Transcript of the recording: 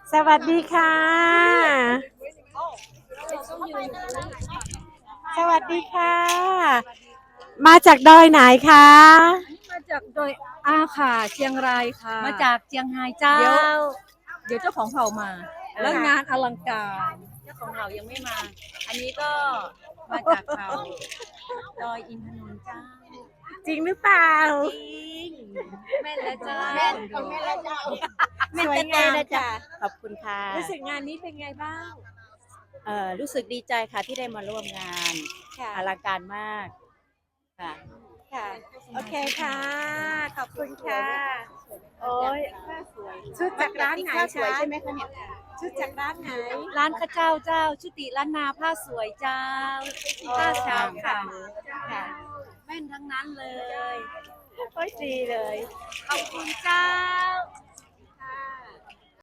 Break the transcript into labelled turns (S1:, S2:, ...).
S1: สวัสดีค่ะ สวัสดีค่ะ มาจากดอยไหนคะ
S2: มาจากโดยอาค่ะเชียงรายค่ะ
S3: มาจากเจียงไฮ้เจ้า
S2: เดี๋ยวเจ้าของเผ่ามาแล้วงานอลังการ
S3: เจ้าของเรายังไม่มา อันนี้ก็มาจากเขาดอยอินทนนท์เจ้า
S1: จริงหรือเปล่า
S3: จริงแม่นแล้วเจ้า
S2: แม่นแล้วเจ้า
S1: สวยงามค่ะ
S3: ขอบคุณค่ะ
S1: รู้สึกงานนี้เป็นไงบ้าง
S3: รู้สึกดีใจค่ะที่ได้มาร่วมงาน
S1: ค่ะ
S3: อลังการมากค่ะ
S1: ค่ะ โอเคค่ะ ขอบคุณค่ะ โอ้ยชุดจากร้านไหนคะใช่ไหมคะเนี่ยชุดจากร้านไหน
S3: ร้านข้าเจ้าชุติล้านนาผ้าสวยเจ้าผ้าชาวค่ะ
S1: ค่ะ
S3: แม่นทั้งนั้นเลย
S1: โอ้ยดีเลย
S3: ขอบคุณเจ้า